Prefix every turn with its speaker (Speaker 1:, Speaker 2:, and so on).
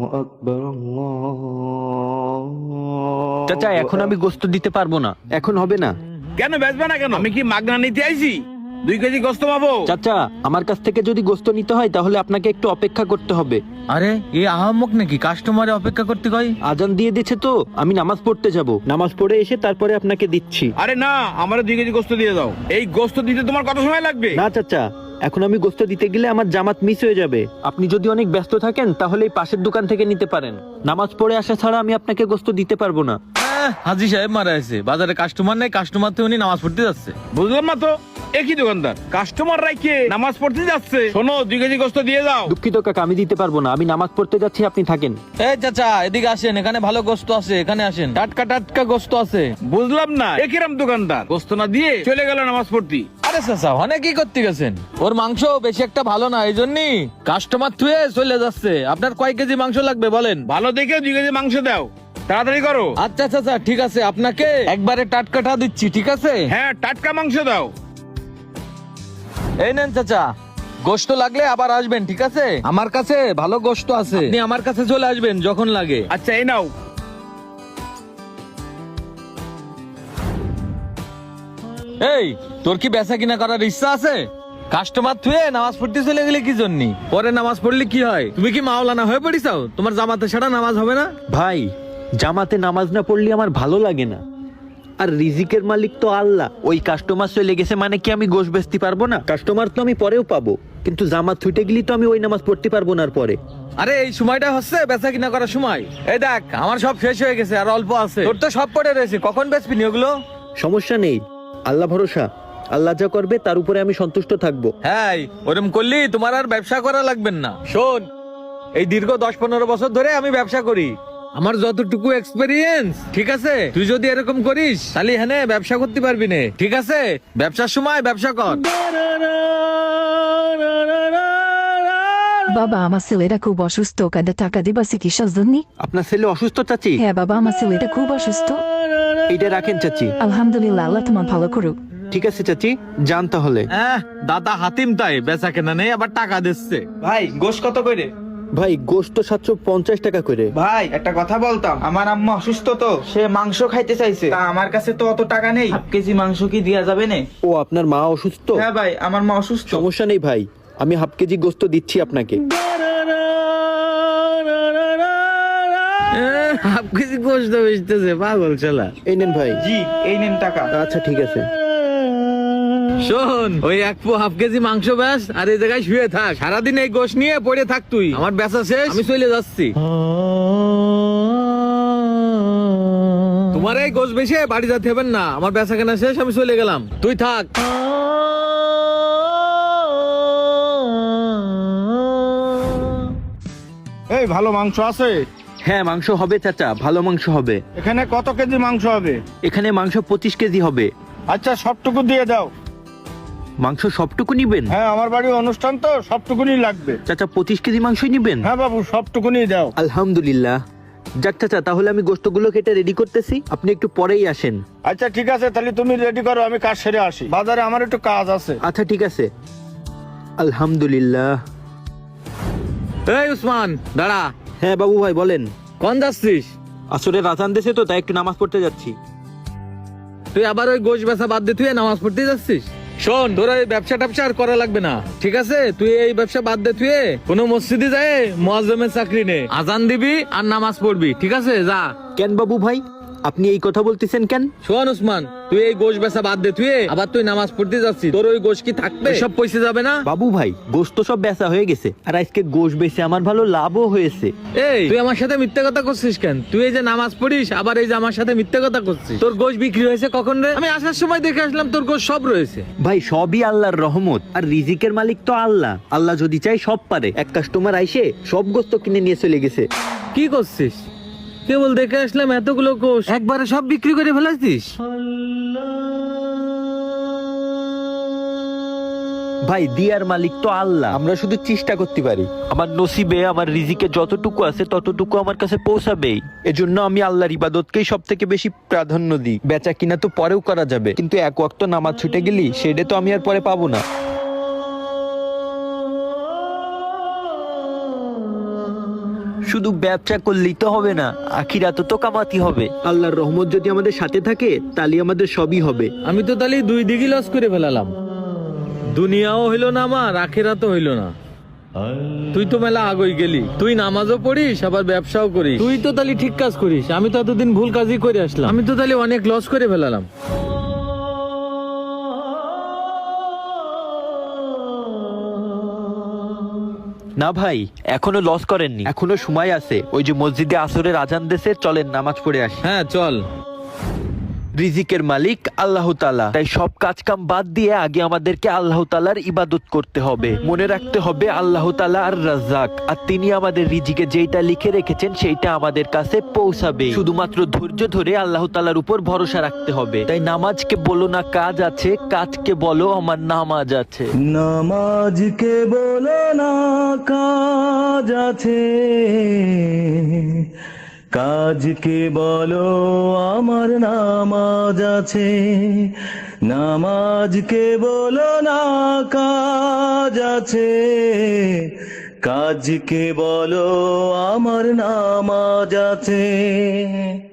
Speaker 1: আকবার
Speaker 2: চাচা এখন আমি গোস্ত দিতে পারবো না, এখন হবে না।
Speaker 3: কেন বেচবে না কেন? আমি কি মাগনা নিতে আইছি? 2 কেজি গোস্ত পাবো?
Speaker 2: চাচা আমার কাছ থেকে যদি গোস্ত নিতে হয় তাহলে আপনাকে একটু অপেক্ষা করতে হবে।
Speaker 4: আরে এই আহাম্মক নাকি কাস্টমারে অপেক্ষা করতে কয়?
Speaker 2: আজান দিয়ে দিচ্ছে তো, আমি নামাজ পড়তে যাব, নামাজ পড়ে এসে তারপরে আপনাকে দিচ্ছি।
Speaker 3: আরে না, আমার 2 কেজি গোস্ত দিয়ে দাও। এই গোস্ত দিতে তোমার কত সময় লাগবে?
Speaker 2: না চাচা, এখন আমি গোস্ত দিতে গেলে আমার জামাত মিস হয়ে যাবে। আপনি যদি অনেক ব্যস্ত থাকেন তাহলে এই পাশের দোকান থেকে নিতে পারেন। নামাজ পড়ে আসা ছাড়া আমি আপনাকে গোস্ত দিতে পারবো না।
Speaker 4: হাজি সাহেব মারা আছে, বাজারে কাস্টমার নাই, কাস্টমার তো উনি নামাজ পড়তে যাচ্ছে।
Speaker 3: বুঝলাম না তো, একই দোকানদার কাস্টমার রাইকে নামাজ পড়তে যাচ্ছে। শোনো, 2 কেজি গোস্ত দিয়ে দাও।
Speaker 2: দুঃখিত কাকা, আমি দিতে পারবো না, আমি নামাজ পড়তে যাচ্ছি, আপনি থাকেন।
Speaker 4: এই চাচা এদিকে আসেন, এখানে ভালো গোস্ত আছে, এখানে আসেন, টাটকা টাটকা গোস্ত আছে।
Speaker 3: বুঝলাম না, একিরাম দোকানদার গোস্ত না দিয়ে চলে গেল নামাজ পড়তে।
Speaker 4: আরে চাচা অনেক কি করতে গেছেন, ওর মাংস বেশি একটা ভালো না, এই জন্যই কাস্টমার থুয়ে চলে যাচ্ছে। আপনার কয় কেজি মাংস লাগবে বলেন?
Speaker 3: ভালো দেখে 2 কেজি মাংস দাও, তাড়াতাড়ি করো।
Speaker 4: আচ্ছা চাচা ঠিক আছে, আপনাকে একবারে টাটকাটা দিচ্ছি, ঠিক আছে?
Speaker 3: হ্যাঁ, টাটকা মাংস দাও।
Speaker 4: এই নেন চাচা, গোশত লাগলে আবার আসবেন, ঠিক আছে? আমার কাছে ভালো গোশত আছে, আপনি আমার কাছে চলে আসবেন যখন লাগে।
Speaker 3: আচ্ছা, এই নাও।
Speaker 4: এই তোর কি বেচা কিনা করার ইচ্ছা আছে? কাস্টমার থুয়ে নামাজ পড়তে চলে গেলে কি জন্য? পরে নামাজ পড়লে কি হয়? তুমি কি মাওলানা হয়ে পড়িছাও? তোমার জামাতে ছাড়া নামাজ হবে না?
Speaker 2: ভাই, জামাতে নামাজ না পড়লে আমার ভালো লাগে না। আর রিজিকের মালিক তো আল্লাহ। ওই কাস্টমার চলে গেছে মানে কি আমি গোশ বেচতে পারবো না? কাস্টমার তো আমি পরেও পাবো, কিন্তু জামাত ছুটে গেলি তো আমি ওই নামাজ পড়তে পারবো না। আর পরে
Speaker 4: আরে এই সময়টা হচ্ছে বেচা কিনা করার সময়। এই দেখ আমার সব শেষ হয়ে গেছে, আর অল্প আছে, তোর তো সব পড়ে রয়েছে, কখন বেচবি নি ওগুলো?
Speaker 2: সমস্যা নেই, আল্লাহ ভরসা, আল্লাহ যা করবে তার উপরে আমি সন্তুষ্ট থাকবো।
Speaker 4: হ্যাঁ, ওরম করলি তোমার আর ব্যবসা করা লাগবে না। শোন, এই দীর্ঘ 10-15 বছর ধরে আমি ব্যবসা করি, আমার যতটুকু এক্সপেরিয়েন্স, ঠিক আছে? তুই যদি এরকম করিস তাহলে হ্যাঁ ব্যবসা করতে পারবি না, ঠিক আছে? ব্যবসার সময় ব্যবসা কর।
Speaker 5: বাবা, আমার ছেলেটা খুব অসুস্থ, কাঁদে টাকা দিবা চিকিৎসার জন্য?
Speaker 2: আপনার ছেলে অসুস্থ চাচি?
Speaker 5: হ্যাঁ বাবা, আমার ছেলেটা খুব অসুস্থ।
Speaker 2: এটা রাখেন চাচি।
Speaker 5: আলহামদুলিল্লাহ, আল্লাহ তোমার ভালো করুক।
Speaker 2: ঠিক আছে চাচি, যান তাহলে।
Speaker 4: দাদা হাতিম তাই বেচা কেনা নেই, আবার টাকা দিচ্ছে।
Speaker 6: ভাই গোশ কত করে?
Speaker 2: ভাই গোশত 750 টাকা করে।
Speaker 6: ভাই একটা কথা বলতাম, আমার আম্মা অসুস্থ তো, সে মাংস খাইতে চাইছে, তা আমার কাছে তো অত টাকা নেই, 1/2 কেজি মাংস কি দেয়া যাবে না?
Speaker 2: ও আপনার মা অসুস্থ?
Speaker 6: হ্যাঁ ভাই, আমার মা অসুস্থ।
Speaker 2: সমস্যা নেই ভাই, আমি 1/2 কেজি গোশত দিচ্ছি আপনাকে।
Speaker 4: 1/2 কেজি গোশত বেচতেছে পাগল ছেলা।
Speaker 2: এই নেন ভাই।
Speaker 6: জি, এই নেন টাকা।
Speaker 2: আচ্ছা ঠিক আছে।
Speaker 4: শোন, ওই 1/2 কেজি মাংস ব্যাস, আর এই জায়গায় শুয়ে থাক, সারাদিন এই গোশ নিয়ে পড়ে থাক তুই। আমার বেচা শেষ, আমি চলে যাচ্ছি। তোমার এই গোশ বেশে বাড়ি যেতে হবে না, আমার বেচা কেনা শেষ, আমি চলে গেলাম, তুই থাক।
Speaker 3: এই ভালো মাংস আছে?
Speaker 2: হ্যাঁ মাংস হবে চাচা, ভালো মাংস হবে।
Speaker 3: এখানে কত কেজি মাংস হবে?
Speaker 2: এখানে মাংস 25 কেজি হবে।
Speaker 3: আচ্ছা, সবটুকু দিয়ে দাও।
Speaker 2: মাংস সবটুকু নিবেন?
Speaker 3: হ্যাঁ, আমার বাড়ির অনুষ্ঠান তো, সবটুকুনি লাগবে।
Speaker 2: চাচা 25 কেজি মাংসই নিবেন?
Speaker 3: হ্যাঁ বাবু, সবটুকুনি দাও।
Speaker 2: আলহামদুলিল্লাহ। যাক চাচা, তাহলে আমি গোশতগুলো কেটে রেডি করতেছি, আপনি একটু পরেই আসেন।
Speaker 3: আচ্ছা ঠিক আছে, তাহলে তুমি রেডি করো, আমি কাজ সেরে আসি, বাজারে আমার একটু কাজ আছে।
Speaker 2: আচ্ছা ঠিক আছে। আলহামদুলিল্লাহ।
Speaker 4: এই উসমান দাঁড়া।
Speaker 2: হ্যাঁ বাবু ভাই বলেন।
Speaker 4: কোন যাচ্ছিস?
Speaker 2: আসলে রাজান দেশে তো, তাই একটু নামাজ পড়তে যাচ্ছি।
Speaker 4: তুই আবার ওই গোশ বেচা বাদ দিয়ে তুই নামাজ পড়তে যাচ্ছিস? শোন, তোর এই ব্যবসা ট্যাবসা আর করা লাগবে না, ঠিক আছে? তুই এই ব্যবসা বাদ দে, তুই কোনো মসজিদে যায় মুয়াজ্জিমের চাকরি নে, আজান দিবি আর নামাজ পড়বি, ঠিক আছে? যা।
Speaker 2: কেন বাবু ভাই, আপনি এই কথা বলতেছেন কেন?
Speaker 4: শোন উসমান, তুই এই গোশ বেচা বাদ দে, তুই আবার তুই নামাজ পড়তে যাচ্ছিস, তোর ওই গোশ কি থাকবে? সব পয়সা যাবে না?
Speaker 2: বাবু ভাই, গোশত সব বেচা হয়ে গেছে, আর আজকে গোশ বেচে আমার ভালো লাভও হয়েছে।
Speaker 4: এই তুই আমার সাথে মিথ্যে কথা করছিস কেন? তুই এই যে নামাজ পড়িস, আবার এই যে আমার সাথে মিথ্যে কথা করছিস। তোর গোশ বিক্রি হয়েছে কখন রে? আমি আসার সময় দেখে আসলাম তোর গোশ সব রয়েছে।
Speaker 2: ভাই সবই আল্লাহর রহমত, আর রিজিকের মালিক তো আল্লাহ। আল্লাহ যদি চাই সব পারে। এক কাস্টমার আইসে সব গোশত কিনে নিয়ে চলে গেছে।
Speaker 4: কি করছিস? কেবল দেখে আসলাম এতগুলো কোষ একবারে সব বিক্রি করে ফেলাছিস?
Speaker 2: ভাই দিয়ার মালিক তো আল্লাহ, আমরা শুধু চেষ্টা করতে পারি। আমার নসিবে, আমার রিজিকে যতটুকু আছে ততটুকু আমার কাছে পৌঁছাবেই। এজন্য আমি আল্লাহর ইবাদতকেই সব থেকে বেশি প্রাধান্য দিই। বেচা কিনা তো পরেও করা যাবে, কিন্তু এক ওয়াক্ত নামাজ ছুটে গেলি সেটা তো আমি আর পরে পাবো না। শুধু ব্যবসা করলেই তো হবে না, আখিরাতে তো কামাতে হবে। আল্লাহর রহমত যদি আমাদের সাথে থাকে তাহলে আমাদের সবই হবে।
Speaker 4: আমি তো তাহলে দুই দিকই লস করে ফেলালাম, দুনিয়াও হইলো না আমার, আখিরাতও হইলো না। তুই তো মেলা আগই গেলি, তুই নামাজও পড়িস আবার ব্যবসাও করিস, তুই তো তাহলে ঠিক কাজ করিস। আমি তো এতদিন ভুল কাজই করে আসলাম, আমি তো তাহলে অনেক লস করে ফেলালাম।
Speaker 2: না ভাই, এখনো লস করেননি, এখনো সময় আছে। ওই যে মসজিদে আসরের আজান দেশে, চলেন নামাজ পড়ে আসি।
Speaker 4: হ্যাঁ চল।
Speaker 2: রিজিকের মালিক আল্লাহ তাআলা, তাই সব কাজ কাম বাদ দিয়ে আগে আমাদেরকে আল্লাহ তাআলার ইবাদত করতে হবে। মনে রাখতে হবে আল্লাহ তাআলা আর রাজ্জাক, আর তিনি আমাদের রিজিকে যেইটা লিখে রেখেছেন সেইটা আমাদের কাছে পৌঁছাবে। শুধুমাত্র ধৈর্য ধরে আল্লাহ তাআলার উপর ভরসা রাখতে হবে। তাই নামাজকে বলো না কাজ আছে, কাজকে বলো আমার নামাজ আছে।
Speaker 1: নামাজকে বলো না কাজ আছে, কাজকে বলো আমার নামাজ আছে। নামাজকে বলো না কাজ আছে, কাজকে বলো আমার নামাজ আছে।